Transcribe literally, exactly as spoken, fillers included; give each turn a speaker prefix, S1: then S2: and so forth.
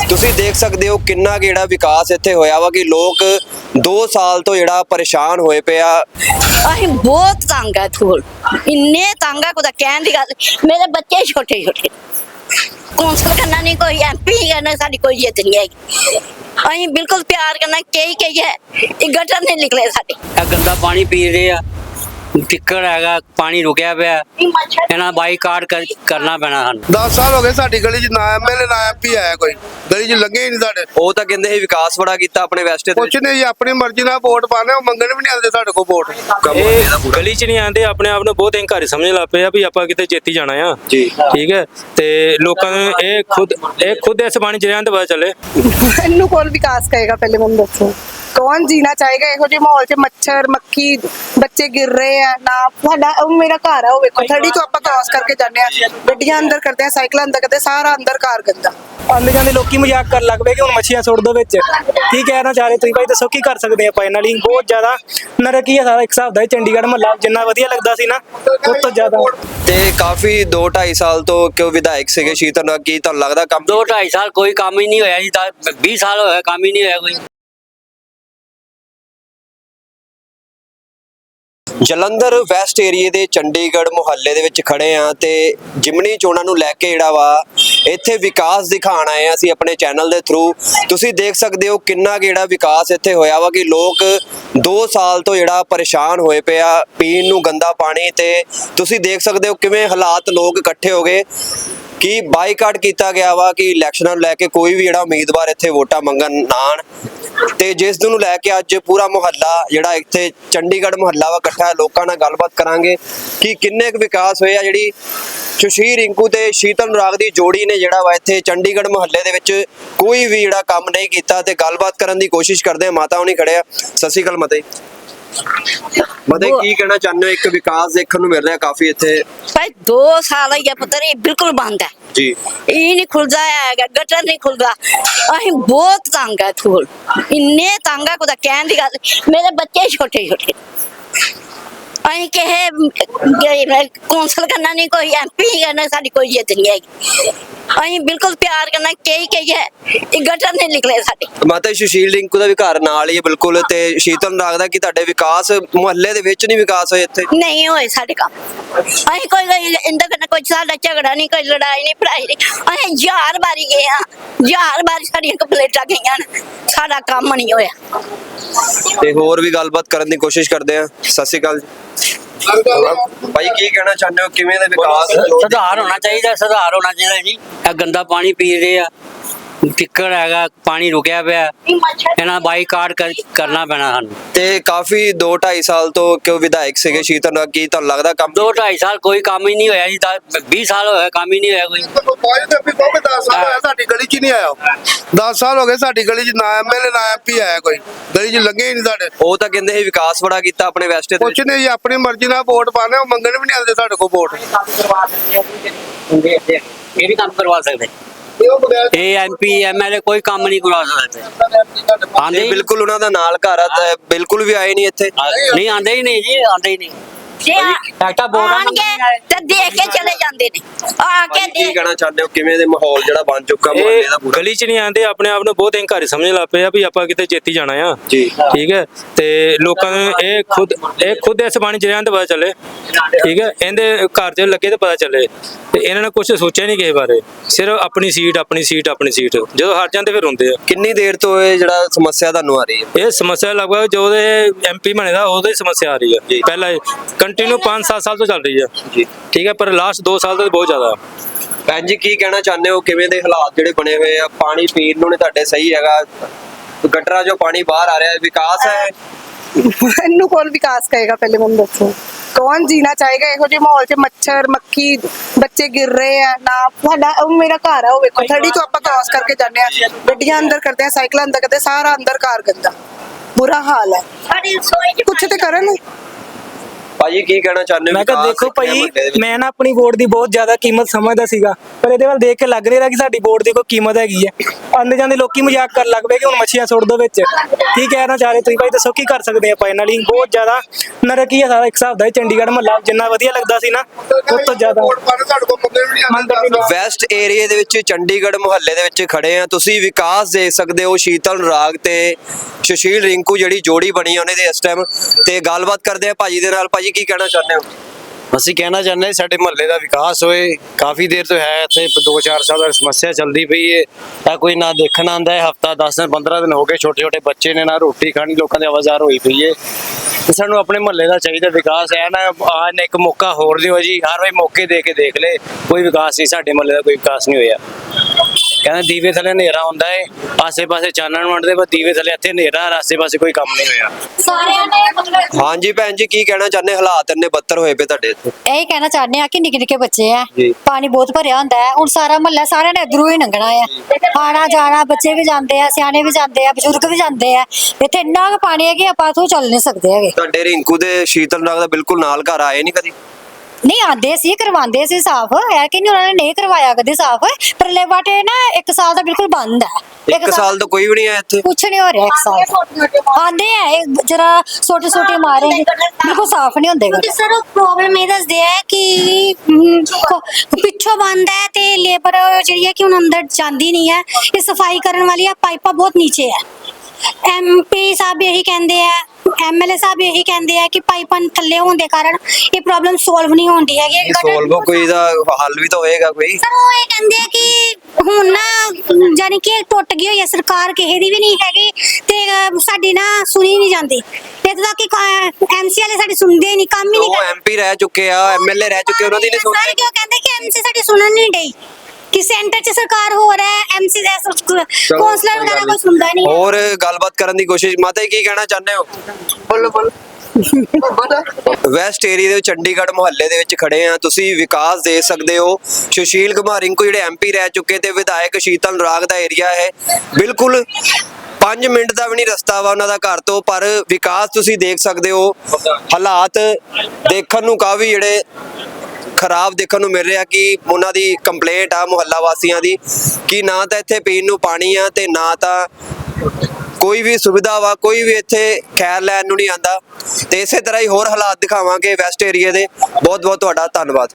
S1: ਤੁਸੀਂ ਦੇਖ ਸਕਦੇ ਹੋ ਕਿੰਨਾ ਜਿਹੜਾ ਵਿਕਾਸ ਇੱਥੇ ਹੋਇਆ ਵਾ ਕਿ ਲੋਕ दो साल तो ਜਿਹੜਾ परेशान होए पे
S2: ਅਸੀਂ ਬਹੁਤ ਤੰਗ ਆ ਥੋਲ ਇੰਨੇ ਤੰਗ ਆ ਕੋਈ ਕਹਿਣ ਦੀ ਗੱਲ ਮੇਰੇ ਬੱਚੇ ਛੋਟੇ ਛੋਟੇ ਕੌਂਸਲ ਕਰਨਾ ਨਹੀਂ ਕੋਈ ਐਮਪੀ ਕਰਨਾ ਸਾਡੀ ਕੋਈ ਇੱਜ਼ਤ ਨਹੀਂ ਹੈਗੀ ਅਸੀਂ ਬਿਲਕੁਲ ਪਿਆਰ ਕਰਨਾ ਕਈ ਕਈ ਹੈ ਇਹ ਗਟਰ ਨਹੀਂ ਨਿਕਲੇ ਸਾਡੇ
S3: ਇਹ ਗੰਦਾ ਪਾਣੀ ਪੀ ਰਹੇ ਆ ਟਿੱਕਰ ਹੈਗਾ ਪਾਣੀ ਰੁਕਿਆ ਪਿਆ ਇਹਨਾਂ ਬਾਈਕਾਟ ਕਰਨਾ ਪੈਣਾ ਸਾਨੂੰ
S4: दस साल हो गए साडी गली च ना एमएलए ना एमपी आया कोई गली च लगे ही नहीं साडे
S1: ਉਹ ਤਾਂ ਕਹਿੰਦੇ ਸੀ ਵਿਕਾਸ ਬੜਾ ਕੀਤਾ ਆਪਣੇ ਵੈਸਟ ਦੇ
S4: कुछ नहीं जी अपनी मर्जी नाल वोट पाने ਉਹ ਮੰਗਣ ਵੀ ਨਹੀਂ ਆਉਂਦੇ ਸਾਡੇ ਕੋਲ ਵੋਟ
S5: ਇਹ ਗਲੀ ਚ ਨਹੀਂ ਆਂਦੇ ਆਪਣੇ ਆਪ ਨੂੰ ਬਹੁਤ ਹੰਕਾਰੀ ਸਮਝ ਲਾ ਪਏ ਆ ਵੀ ਆਪਾਂ ਕਿਤੇ ਜੇਤੀ ਜਾਣਾ ਆ
S1: ਜੀ
S5: ਠੀਕ ਹੈ ਤੇ ਲੋਕਾਂ ਨੂੰ ਇਹ ਖੁਦ ਇਹ ਖੁਦ ਇਸ ਪਾਣੀ ਚ ਰਹਿਣ ਤੋਂ ਪਤਾ ਚੱਲੇ
S6: ਇਹਨੂੰ ਕੋਲ ਵਿਕਾਸ ਕਹੇਗਾ ਪਹਿਲੇ ਮੈਨੂੰ ਦੱਸੋ ਕੌਣ ਜੀਣਾ ਚਾਹੇਗਾ ਇਹੋ ਜਿਹੇ ਮਾਹੌਲ 'ਚ ਮੱਛਰ ਮੱਖੀ ਬੱਚੇ ਗਿਰ ਰਹੇ ਆ ਨਾ ਸਾਡਾ ਉਹ ਮੇਰਾ ਘਰ ਆ ਉਹ ਵੇਖੋ ਥੜੀ ਤੋਂ ਆਪਾਂ ਕ੍ਰਾਸ ਕਰਕੇ ਜਾਂਦੇ ਆ ਗੱਡੀਆਂ ਅੰਦਰ ਕਰਦੇ ਆ ਸਾਈਕਲਾਂ ਅੰਦਰ ਕਰਦੇ ਸਾਰਾ ਅੰਦਰ ਘਰ ਗੰਦਾ
S7: ਆਂਦੇ ਜਾਂਦੇ ਲੋਕੀ ਮਜ਼ਾਕ ਕਰਨ ਲੱਗ ਪਏ ਕਿ ਹੁਣ ਮੱਛੀਆਂ ਸੁੱਟ ਦੋ ਵਿੱਚ ਕੀ ਕਹਿਣਾ ਚਾਹ ਰਹੇ ਤੁਸੀਂ ਭਾਈ ਦੱਸੋ ਕੀ ਕਰ ਸਕਦੇ ਆਪਾਂ ਇਹਨਾਂ ਲਈ ਬਹੁਤ ਜ਼ਿਆਦਾ ਨਰਕ ਹੀ ਆ ਸਾਰਾ ਇੱਕ ਹਿਸਾਬ ਦਾ ਚੰਡੀਗੜ੍ਹ ਮਹੱਲਾ ਜਿੰਨਾ ਵਧੀਆ ਲੱਗਦਾ ਸੀ ਨਾ ਉਸ ਤੋਂ ਜ਼ਿਆਦਾ
S1: ਤੇ ਕਾਫੀ ਦੋ ਢਾਈ ਸਾਲ ਤੋਂ ਕਿਉਂ ਵਿਧਾਇਕ ਸੀਗੇ ਸ਼ੀਤਲ ਨਾਲ ਕੀ ਤੁਹਾਨੂੰ ਲੱਗਦਾ ਕੰਮ
S3: ਦੋ ਢਾਈ ਸਾਲ ਕੋਈ ਕੰਮ ਹੀ ਨਹੀਂ ਹੋਇਆ ਜੀ ਵੀਹ ਸਾਲ ਹੋਇਆ ਕੰਮ ਹੀ ਨਹੀਂ ਹੋਇਆ ਕੋਈ
S1: ਜਲੰਧਰ ਵੈਸਟ ਏਰੀਏ ਦੇ ਚੰਡੀਗੜ੍ਹ ਮੁਹੱਲੇ ਦੇ ਵਿੱਚ ਖੜੇ ਆ ਤੇ ਜਿਮਣੀ ਚੋਣਾਂ ਨੂੰ ਲੈ ਕੇ ਜਿਹੜਾ ਵਾ ਇੱਥੇ ਵਿਕਾਸ ਦਿਖਾਣ ਆਏ ਆ ਅਸੀਂ ਆਪਣੇ ਚੈਨਲ ਦੇ ਥਰੂ ਤੁਸੀਂ ਦੇਖ ਸਕਦੇ ਹੋ ਕਿੰਨਾ ਜਿਹੜਾ ਵਿਕਾਸ ਇੱਥੇ ਹੋਇਆ ਵਾ ਕਿ ਲੋਕ दो साल तो ਜਿਹੜਾ ਪਰੇਸ਼ਾਨ ਹੋਏ ਪਏ ਆ ਪੀਣ ਨੂੰ ਗੰਦਾ ਪਾਣੀ ਤੇ ਤੁਸੀਂ ਦੇਖ ਸਕਦੇ ਹੋ ਕਿਵੇਂ ਹਾਲਾਤ ਲੋਕ ਇਕੱਠੇ ਹੋ ਗਏ ਕਿ ਬਾਈਕਾਟ ਕੀਤਾ ਗਿਆ ਵਾ ਕਿ ਇਲੈਕਸ਼ਨਾਂ ਨੂੰ ਲੈ ਕੇ ਕੋਈ ਵੀ ਜਿਹੜਾ ਉਮੀਦਵਾਰ ਇੱਥੇ ਵੋਟਾਂ ਮੰਗਣ ਨਾ ਆਣ ਤੇ ਜਿਸ ਨੂੰ ਲੈ ਕੇ ਅੱਜ ਪੂਰਾ ਮੁਹੱਲਾ ਜਿਹੜਾ ਇੱਥੇ ਚੰਡੀਗੜ੍ਹ ਮੁਹੱਲਾ ਵਾ ਇਕੱਠਾ ਲੋਕਾਂ ਨਾਲ ਗੱਲਬਾਤ ਕਰਾਂਗੇ ਕਿ ਕਿੰਨੇ ਕੁ ਵਿਕਾਸ ਹੋਏ ਆ ਜਿਹੜੀ ਸੁਸ਼ੀਰ ਰਿੰਕੂ ਤੇ ਸ਼ੀਤਲ ਨੁਰਾਗ ਦੀ ਜੋੜੀ ਨੇ ਜਿਹੜਾ ਵਾ ਇੱਥੇ ਚੰਡੀਗੜ੍ਹ ਮੁਹੱਲੇ ਦੇ ਵਿੱਚ ਕੋਈ ਵੀ ਜਿਹੜਾ ਕੰਮ ਨਹੀਂ ਕੀਤਾ ਤੇ ਗੱਲਬਾਤ ਕਰਨ ਦੀ ਕੋਸ਼ਿਸ਼ ਕਰਦੇ ਆ ਮਾਤਾ ਹੁਣੀ ਖੜੇ ਆ ਸਤਿ ਸ਼੍ਰੀ ਅਕਾਲ ਮਤੇ ਮਤੇ ਕੀ ਕਹਿਣਾ ਚਾਹੁੰਦੇ ਹੋ ਇੱਕ ਵਿਕਾਸ ਦੇਖਣ ਨੂੰ ਮਿਲ ਰਿਹਾ ਕਾਫੀ ਇੱਥੇ
S2: ਭਾਈ दो साल ਹੀ ਪੁੱਤਰ ਇਹ ਬਿਲਕੁਲ ਬੰਦ ਹੈ
S1: ਜੀ
S2: ਇਹ ਨਹੀਂ ਖੁੱਲਦਾ ਹੈਗਾ ਗਟਰ ਨਹੀਂ ਖੁੱਲਦਾ ਅਸੀਂ ਬਹੁਤ ਤੰਗ ਆ ਥੋਲ ਇੰਨੇ ਤੰਗ ਆ ਕੋਈ ਕਹਿਣ ਦੀ ਗੱਲ ਮੇਰੇ ਬੱਚੇ ਛੋਟੇ ਛੋਟੇ ਅਸੀਂ ਕਹੇ ਕੌਂਸਲ ਕਰਨਾ ਨਹੀਂ ਕੋਈ ਐਮਪੀ ਕਰਨਾ ਸਾਡੀ ਕੋਈ ਇੱਜ਼ਤ ਨਹੀਂ ਹੈਗੀ ਅਸੀਂ ਬਿਲਕੁਲ ਪਿਆਰ ਕਰਨਾ ਕਈ ਕਈ ਹੈ ਇਹ ਗਟਰ ਨਹੀਂ ਨਿਕਲੇ ਸਾਡੇ
S1: ਮਾਤਾ ਸੁਸ਼ੀਲ ਰਿੰਕੂ ਦਾ ਵੀ ਘਰ ਨਾਲ ਹੀ ਹੈ ਬਿਲਕੁਲ ਤੇ ਸ਼ੀਤਲ ਨੁਰਾਗ ਦਾ ਕਿ ਤੁਹਾਡੇ ਵਿਕਾਸ ਮੁਹੱਲੇ ਦੇ ਵਿੱਚ ਨਹੀਂ ਵਿਕਾਸ ਹੋਏ ਇੱਥੇ
S2: ਨਹੀਂ ਹੋਏ ਸਾਡੇ ਕੰਮ ਅਸੀਂ ਕੋਈ ਇੰਦਾ ਕਰਨਾ ਕੋਈ ਸਾਡਾ ਝਗੜਾ ਨਹੀਂ ਕੋਈ ਲੜਾਈ ਨਹੀਂ ਭੜਾਈ ਨਹੀਂ ਅਸੀਂ ਹਜ਼ਾਰ ਵਾਰੀ ਗਏ ਆ ਹਜ਼ਾਰ ਵਾਰੀ ਸਾਡੀਆਂ ਕੰਪਲੇਂਟਾਂ ਗਈਆਂ ਨੇ ਸਾਡਾ ਕੰਮ ਨਹੀਂ ਹੋਇਆ
S1: ਤੇ ਹੋਰ ਵੀ ਗੱਲਬਾਤ ਕਰਨ ਦੀ ਕੋਸ਼ਿਸ਼ ਕਰਦੇ ਆ ਸਤਿ ਸ਼੍ਰੀ ਅਕਾਲ ਭਾਈ ਕੀ ਕਹਿਣਾ ਚਾਹੁੰਦੇ ਹੋ ਕਿਵੇਂ ਦਾ ਵਿਕਾਸ
S3: ਸੁਧਾਰ ਹੋਣਾ ਚਾਹੀਦਾ ਸੁਧਾਰ ਹੋਣਾ ਚਾਹੀਦਾ ਜੀ ਇਹ ਗੰਦਾ ਪਾਣੀ ਪੀ ਰਹੇ ਆ ਟਿੱਕਰ ਹੈਗਾ ਪਾਣੀ ਰੁਕਿਆ ਪਿਆ ਇਹਨਾਂ ਬਾਈਕਾਟ ਕਰਨਾ ਪੈਣਾ ਸਾਨੂੰ
S1: ਤੇ ਕਾਫੀ ਦੋ ਢਾਈ ਸਾਲ ਤੋਂ ਕਿਉਂ ਵਿਧਾਇਕ ਸੀਗੇ ਸ਼ੀਤਲ ਨਾਲ ਕੀ ਤੁਹਾਨੂੰ ਲੱਗਦਾ ਕੰਮ
S3: ਦੋ ਢਾਈ ਸਾਲ ਕੋਈ ਕੰਮ ਹੀ ਨਹੀਂ ਹੋਇਆ ਜੀ ਵੀਹ ਸਾਲ ਹੋਇਆ ਕੰਮ ਹੀ ਨਹੀਂ ਹੋਇਆ ਕੋਈ
S4: दस साल होया साडी गली च नहीं आया दस साल हो गए साडी गली च ना एमएलए ना एमपी आया कोई गली च लगे ही नहीं साडे
S1: ਉਹ ਤਾਂ ਕਹਿੰਦੇ ਸੀ ਵਿਕਾਸ ਬੜਾ ਕੀਤਾ ਆਪਣੇ ਵੈਸਟ ਦੇ
S4: कुछ नहीं जी अपनी मर्जी नाल वोट पाने ਉਹ ਮੰਗਣ ਵੀ ਨਹੀਂ ਆਉਂਦੇ ਸਾਡੇ ਕੋਲ ਵੋਟ
S3: ਇਹ ਵੀ ਕੰਮ ਕਰਵਾ ਸਕਦੇ ਇਹ ਐਮਪੀ ਐਮਐਲਏ ਕੋਈ ਕੰਮ ਨਹੀਂ ਕਰਵਾ ਸਕਦੇ ਆਂਦੇ
S1: ਇਹ ਬਿਲਕੁਲ ਉਹਨਾਂ ਦਾ ਨਾਲ ਘਰ ਆ ਤੇ ਬਿਲਕੁਲ ਵੀ ਆਏ ਨਹੀਂ ਇੱਥੇ
S3: ਨਹੀਂ ਆਂਦੇ ਹੀ ਨਹੀਂ ਜੀ ਆਂਦੇ ਹੀ ਨਹੀਂ
S2: ਜੇ
S3: ਟਾਟਾ ਬੋਰਡ
S2: ਆਣਗੇ ਤੇ ਦੇਖ ਕੇ ਚਲੇ ਜਾਂਦੇ ਨੇ ਆ ਕੇ
S1: ਕੀ
S2: ਦੇਖ
S1: ਕਹਿਣਾ ਚਾਹੁੰਦੇ ਹੋ ਕਿਵੇਂ ਦੇ ਮਾਹੌਲ ਜਿਹੜਾ ਬਣ ਚੁੱਕਾ ਮੁਹੱਲੇ ਦਾ
S5: ਇਹ
S1: ਪੂਰਾ
S5: ਗਲੀ ਚ ਨਹੀਂ ਆਂਦੇ ਆਪਣੇ ਆਪ ਨੂੰ ਬਹੁਤ ਹੰਕਾਰੀ ਸਮਝ ਲਾ ਪਏ ਆ ਵੀ ਆਪਾਂ ਕਿਤੇ ਜੇਤੀ ਜਾਣਾ ਆ
S1: ਜੀ
S5: ਠੀਕ ਹੈ ਤੇ ਲੋਕਾਂ ਨੂੰ ਇਹ ਖੁਦ ਇਹ ਖੁਦ ਇਸ ਪਾਣੀ ਚ ਰਹਿਣ ਤੋਂ ਪਤਾ ਚੱਲੇ ਠੀਕ ਹੈ ਇਹਦੇ ਘਰ ਚ ਲੱਗੇ ਤੇ ਪਤਾ ਚੱਲੇ ਤੇ ਇਹਨਾਂ ਨੇ ਕੁਝ ਸੋਚਿਆ ਨਹੀਂ ਕਿਸੇ ਬਾਰੇ ਸਿਰਫ ਆਪਣੀ ਸੀਟ ਆਪਣੀ ਸੀਟ ਆਪਣੀ ਸੀਟ ਜਦੋਂ ਹਾਰ ਜਾਂਦੇ ਫਿਰ ਹੁੰਦੇ ਆ
S1: ਕਿੰਨੀ ਦੇਰ ਤੋਂ ਇਹ ਜਿਹੜਾ ਸਮੱਸਿਆ ਤੁਹਾਨੂੰ ਆ ਰਹੀ ਹੈ
S5: ਇਹ ਸਮੱਸਿਆ ਲਗਭਗ ਜੋ ਦੇ ਐਮਪੀ ਬਣੇਦਾ ਉਹਦੀ ਸਮੱਸਿਆ ਆ ਰਹੀ ਹੈ ਪਹਿਲਾਂ ਕੰਟੀਨਿਊ ਪੰਜ ਸੱਤ ਸਾਲ ਤੋਂ ਚੱਲ ਰਹੀ ਹੈ
S1: ਜੀ
S5: ਠੀਕ ਹੈ ਪਰ ਲਾਸਟ ਦੋ ਸਾਲ ਤੋਂ ਬਹੁਤ ਜ਼ਿਆਦਾ
S1: ਭੈਣ ਜੀ ਕੀ ਕਹਿਣਾ ਚਾਹੁੰਦੇ ਹੋ ਕਿਵੇਂ ਦੇ ਹਾਲਾਤ ਜਿਹੜੇ ਬਣੇ ਹੋਏ ਆ ਪਾਣੀ ਪੀਣ ਨੂੰ ਨੇ ਤੁਹਾਡੇ ਸਹੀ ਹੈਗਾ ਗਟਰਾਂ ਚੋਂ ਪਾਣੀ ਬਾਹਰ ਆ ਰਿਹਾ ਵਿਕਾਸ ਹੈ
S6: ਇਹਨੂੰ ਕੋਲ ਵਿਕਾਸ ਕਹੇਗਾ ਪਹਿਲੇ ਮੈਨੂੰ ਦੱਸੋ ਕੌਣ ਜੀਣਾ ਚਾਹੇਗਾ ਇਹੋ ਜਿਹੇ ਮਾਹੌਲ 'ਚ ਮੱਛਰ ਮੱਖੀ ਬੱਚੇ ਗਿਰ ਰਹੇ ਆ ਨਾ ਸਾਡਾ ਉਹ ਮੇਰਾ ਘਰ ਆ ਉਹ ਵੇਖੋ ਥੜੀ ਤੋਂ ਆਪਾਂ ਕ੍ਰਾਸ ਕਰਕੇ ਜਾਂਦੇ ਆ ਗੱਡੀਆਂ ਅੰਦਰ ਕਰਦੇ ਆ ਸਾਈਕਲਾਂ ਅੰਦਰ ਕਰਦੇ ਸਾਰਾ ਅੰਦਰ ਘਰ ਗੰਦਾ ਬੁਰਾ ਹਾਲ ਹੈ
S2: ਸਾਡੀ ਰਸੋਈ ਚ
S6: ਕੁਛ ਤੇ ਕਰਨ
S1: ਭਾਜੀ ਕੀ ਕਹਿਣਾ ਚਾਹੁੰਦੇ ਹੋ
S7: ਮੈਂ ਕਿਹਾ
S1: ਵਿਕਾਸ
S7: ਦੇਖੋ
S1: ਦਿਖ ਰਿਹਾ
S7: ਭਾਈ,
S1: ਮੁਹੱਲੇ ਦੇ ਵਿੱਚ?
S7: ਮੈਂ ਨਾ ਆਪਣੀ ਵੋਟ ਦੀ ਬਹੁਤ ਜ਼ਿਆਦਾ ਕੀਮਤ ਸਮਝਦਾ ਸੀਗਾ, ਪਰ ਇਹਦੇ ਵੱਲ ਦੇਖ ਕੇ ਲੱਗ ਨਹੀਂ ਰਿਹਾ ਕਿ ਸਾਡੀ ਵੋਟ ਦੀ ਕੋਈ ਕੀਮਤ ਹੈਗੀ ਹੈ। ਆਉਂਦੇ ਜਾਂਦੇ ਲੋਕੀ ਮਜ਼ਾਕ ਕਰਨ ਲੱਗ ਪਏ ਕਿ ਹੁਣ ਮੱਛੀਆਂ ਸੁੱਟ ਦੋ ਵਿੱਚ। ਕੀ ਕਹਿਣਾ ਚਾਹ ਰਹੇ ਤੁਸੀਂ ਭਾਈ, ਦੱਸੋ ਕੀ ਕਰ ਸਕਦੇ ਆਪਾਂ ਇਹਨਾਂ ਲਈ? ਬਹੁਤ ਜ਼ਿਆਦਾ ਨਰਕੀ ਹੈ ਸਾਰਾ ਇੱਕ ਹਿਸਾਬ ਦਾ ਇਹ ਚੰਡੀਗੜ੍ਹ ਮੁਹੱਲਾ, ਜਿੰਨਾ ਵਧੀਆ ਲੱਗਦਾ ਸੀ ਨਾ ਉਸ ਤੋਂ ਜ਼ਿਆਦਾ
S4: ਵੋਟ ਪਾਣੇ ਸਾਡੇ ਕੋਲ ਮੰਗੇ ਵੀ ਨਹੀਂ
S7: ਮੰਗਣ ਵੀ ਨਹੀਂ।
S1: ਵੈਸਟ ਏਰੀਏ ਦੇ ਵਿੱਚ ਚੰਡੀਗੜ੍ਹ ਮੁਹੱਲੇ ਦੇ ਵਿੱਚ ਖੜੇ ਆ, ਤੁਸੀਂ ਵਿਕਾਸ ਦੇਖ ਸਕਦੇ ਹੋ। ਸ਼ੀਤਲ ਰਾਗ ਤੇ ਸੁਸ਼ੀਲ ਰਿੰਕੂ ਜਿਹੜੀ ਜੋੜੀ ਬਣੀ ਆ ਉਹਨਾਂ ਦੇ ਇਸ ਟਾਈਮ, ਤੇ ਗੱਲਬਾਤ ਕਰਦੇ ਆ ਭਾਜੀ ਦੇ ਨਾਲ। ਭਾਜੀ ਕੀ ਕਹਿਣਾ ਚਾਹੁੰਦੇ ਹੋ?
S8: ਅਸੀਂ ਕਹਿਣਾ ਚਾਹੁੰਦੇ ਹਾਂ ਸਾਡੇ ਮੁਹੱਲੇ ਦਾ ਵਿਕਾਸ ਹੋਏ। ਕਾਫੀ ਦੇਰ ਤੋਂ ਹੈ ਇੱਥੇ ਦੋ ਚਾਰ ਸਾਲ ਦੀ ਸਮੱਸਿਆ ਚੱਲਦੀ ਪਈ ਹੈ, ਤਾਂ ਕੋਈ ਨਾ ਦੇਖਣ ਆਉਂਦਾ ਹੈ। ਹਫਤਾ ਦਸ ਦਿਨ ਪੰਦਰਾਂ ਦਿਨ ਹੋ ਗਏ, ਛੋਟੇ ਛੋਟੇ ਬੱਚੇ ਨੇ ਨਾ ਰੋਟੀ ਖਾਣੀ, ਲੋਕਾਂ ਦੀ ਆਵਾਜ਼ਾਰ ਹੋਈ ਪਈ ਹੈ। ਤੇ ਸਾਨੂੰ ਆਪਣੇ ਮੁਹੱਲੇ ਦਾ ਚਾਹੀਦਾ ਵਿਕਾਸ ਹੈ ਨਾ। ਆਹ ਨੇ ਇੱਕ ਮੌਕਾ ਹੋਰ ਦਿਓ ਜੀ, ਹਰ ਵਾਰ ਮੌਕੇ ਦੇ ਕੇ ਦੇਖ ਲੈ, ਕੋਈ ਵਿਕਾਸ ਨਹੀਂ। ਸਾਡੇ ਮੁਹੱਲੇ ਦਾ ਕੋਈ ਵਿਕਾਸ ਨਹੀਂ ਹੋਇਆ। ਕਹਿੰਦੇ ਦੀਵੇ ਥੱਲੇ ਹਨੇਰਾ ਹੁੰਦਾ ਹੈ, ਆਸੇ ਪਾਸੇ ਚਾਨਣ ਵੰਡਦੇ, ਪਰ ਦੀਵੇ ਥੱਲੇ ਇੱਥੇ ਹਨੇਰਾ, ਆਸੇ ਪਾਸੇ ਕੋਈ ਕੰਮ ਨਹੀਂ ਹੋਇਆ।
S2: ਸਾਰਿਆਂ ਨੇ ਮਤਲਬ
S1: ਹਾਂਜੀ ਭੈਣ ਜੀ ਕੀ ਕਹਿਣਾ ਚਾਹੁੰਦੇ? ਹਾਲਾਤ ਇੰਨੇ ਬੱਤਰ ਹੋਏ ਪਏ ਤੁਹਾਡੇ ਇੱਥੇ।
S9: ਇਹੀ ਕਹਿਣਾ ਚਾਹੁੰਦੇ ਆ ਕਿ ਨਿੱਕੇ ਨਿੱਕੇ ਬੱਚੇ ਆ,
S1: ਜੀ।
S9: ਪਾਣੀ ਬਹੁਤ ਭਰਿਆ ਹੁੰਦਾ ਹੈ। ਹੁਣ ਸਾਰਾ ਮਹੱਲਾ ਸਾਰਿਆਂ ਨੇ ਇਧਰੋਂ ਹੀ ਲੰਘਣਾ ਆ, ਆਣਾ ਜਾਣਾ, ਬੱਚੇ ਵੀ ਜਾਂਦੇ ਆ, ਸਿਆਣੇ ਵੀ ਜਾਂਦੇ ਆ, ਬਜ਼ੁਰਗ ਵੀ ਜਾਂਦੇ ਆ। ਇੱਥੇ ਇੰਨਾ ਕੁ ਪਾਣੀ ਹੈ ਕਿ ਆਪਾਂ ਤੋਂ ਚੱਲ ਨਹੀਂ ਸਕਦੇ ਹੈਗੇ।
S1: ਤੁਹਾਡੇ ਰਿੰਕੂ ਦੇ ਸ਼ੀਤਲ ਰਾਗ ਦਾ ਬਿਲਕੁਲ ਨਾਲ ਘਰ ਆਏ ਨਹੀਂ ਕਦੀ?
S9: ਨਹੀਂ ਆਂਦੇ ਸੀ, ਕਰਵਾਉਂਦੇ ਸੀ ਸਾਫ਼, ਹੈ ਕਿ ਨਹੀਂ ਉਹਨਾਂ ਨੇ ਨਹੀਂ ਕਰਵਾਇਆ ਕਦੇ ਸਾਫ਼। ਪਰਲੇ ਬਾਟੇ ਨਾ ਇੱਕ ਸਾਲ ਦਾ ਬਿਲਕੁਲ ਬੰਦ ਹੈ।
S1: ਇੱਕ ਸਾਲ ਤੋਂ ਕੋਈ ਵੀ ਨਹੀਂ ਆਇਆ ਇੱਥੇ?
S9: ਕੁਛ ਨਹੀਂ ਹੋ ਰਿਹਾ ਇੱਕ ਸਾਲ। ਆਂਦੇ ਆ ਜਰਾ ਛੋਟੇ ਛੋਟੇ ਮਾਰੇ, ਬਿਲਕੁਲ ਸਾਫ਼ ਨਹੀਂ ਹੁੰਦੇ।
S10: ਤੇ ਸਰ ਉਹ ਪ੍ਰੋਬਲਮ ਇਹ ਦੱਸਦੇ ਆ ਕਿ ਹਮ, ਕੋ- ਪਿੱਛੋਂ ਬੰਦ ਹੈ ਤੇ ਲੇਬਰ ਜਿਹੜੀ ਹੈ ਕਿ ਹੁਣ ਅੰਦਰ ਜਾਂਦੀ ਨਹੀਂ ਹੈ। ਇਹ ਸਫਾਈ ਕਰਨ ਵਾਲੀਆਂ ਪਾਈਪਾਂ ਬਹੁਤ ਨੀਚੇ ਹੈ। ਐਮਪੀ ਸਾਹਿਬ ਇਹੀ ਕਹਿੰਦੇ ਆ, ਐਮਐਲਏ ਸਾਹਿਬ ਇਹੀ ਕਹਿੰਦੇ ਆ ਕਿ ਪਾਈਪਾਂ ਥੱਲੇ ਹੋਣ ਦੇ ਕਾਰਨ ਇਹ ਪ੍ਰੋਬਲਮ ਸੋਲਵ ਨਹੀਂ ਹੁੰਦੀ ਹੈਗੀ।
S1: ਸੋਲਵ ਕੋਈ ਦਾ ਹੱਲ ਵੀ ਤਾਂ ਹੋਏਗਾ ਕੋਈ।
S10: ਸਰ ਉਹ ਇਹ ਕਹਿੰਦੇ ਆ ਕਿ ਹੁਣ ਨਾ ਜਾਨੀ ਕਿ ਟੁੱਟ ਗਈ ਹੋਈ ਹੈ, ਸਰਕਾਰ ਕਿਸੇ ਦੀ ਵੀ ਨਹੀਂ ਹੈਗੀ ਤੇ ਅਹ, ਸਾਡੀ ਨਾ ਸੁਣੀ ਨਹੀਂ ਜਾਂਦੀ। ਇੱਥੇ ਤੱਕ ਕਿ ਐਮਸੀ ਵਾਲੇ ਸਾਡੀ ਸੁਣਦੇ ਨਹੀਂ, ਕੰਮ ਹੀ ਨਹੀਂ
S1: ਉਹ
S10: ਕਰਦੇ।
S1: ਐਮਪੀ ਰਹਿ ਚੁੱਕੇ ਆ, ਐਮਐਲਏ ਰਹਿ ਚੁੱਕੇ, ਉਹਨਾਂ ਦੀ ਨਹੀਂ
S10: ਸਰ
S1: ਸੁਣਦੇ।
S10: ਕਿਉਂ ਕਹਿੰਦੇ ਕਿ ਐਮਸੀ ਸਾਡੀ ਸੁਣਨ ਨਹੀਂ ਡਈ ਕਿ ਸੈਂਟਰ 'ਚ ਸਰਕਾਰ ਹੋ ਰਿਹਾ ਹੈ, ਐਮਸੀ ਦਾ ਕੌਂਸਲਰ ਵਗੈਰਾ ਕੋਈ ਸੁਣਦਾ ਨਹੀਂ ਹੈ।
S1: ਹੋਰ ਗੱਲਬਾਤ ਕਰਨ ਦੀ ਕੋਸ਼ਿਸ਼। ਮਾਤਾ ਜੀ ਕੀ ਕਹਿਣਾ ਚਾਹੁੰਦੇ ਹੋ?
S4: ਬੋਲੋ ਬੋਲੋ
S1: ਵੈਸਟ ਏਰੀਆ ਦੇ ਚੰਡੀਗੜ੍ਹ ਮੁਹੱਲੇ ਦੇ ਵਿੱਚ ਖੜੇ ਆ, ਤੁਸੀਂ ਵਿਕਾਸ ਦੇ ਸਕਦੇ ਹੋ। ਸੁਸ਼ੀਲ ਕੁਮਾਰ ਰਿੰਕੂ ਜਿਹੜੇ ਐਮਪੀ ਰਹਿ ਚੁੱਕੇ ਤੇ ਵਿਧਾਇਕ ਸ਼ੀਤਲ ਰਾਗ ਦਾ ਏਰੀਆ ਹੈ, ਬਿਲਕੁਲ ਪੰਜ ਮਿੰਟ ਦਾ ਵੀ ਨਹੀਂ ਰਸਤਾ ਵਾ ਉਹਨਾਂ ਦਾ ਘਰ ਤੋਂ, ਪਰ ਵਿਕਾਸ ਤੁਸੀਂ ਦੇਖ ਸਕਦੇ ਹੋ। ਹਾਲਾਤ ਦੇਖਣ ਨੂੰ ਕਾਫੀ ਜਿਹੜੇ ਖਰਾਬ ਦੇਖਣ ਨੂੰ ਮਿਲ ਰਿਹਾ ਕਿ ਉਹਨਾਂ ਦੀ ਕੰਪਲੇਂਟ ਆ ਮੁਹੱਲਾ ਵਾਸੀਆਂ ਦੀ ਕਿ ਨਾ ਤਾਂ ਇੱਥੇ ਪੀਣ ਨੂੰ ਪਾਣੀ ਆ ਤੇ ਨਾ ਤਾਂ ਕੋਈ ਵੀ ਸੁਵਿਧਾ ਵਾ, ਕੋਈ ਵੀ ਇੱਥੇ ਖੈਰ ਲੈਣ ਨੂੰ ਨਹੀਂ ਆਂਦਾ। ਤੇ ਇਸੇ ਤਰ੍ਹਾਂ ਹੀ ਹੋਰ ਹਾਲਾਤ ਦਿਖਾਵਾਂਗੇ ਵੈਸਟ ਏਰੀਆ ਦੇ। ਬਹੁਤ ਬਹੁਤ ਤੁਹਾਡਾ ਧੰਨਵਾਦ।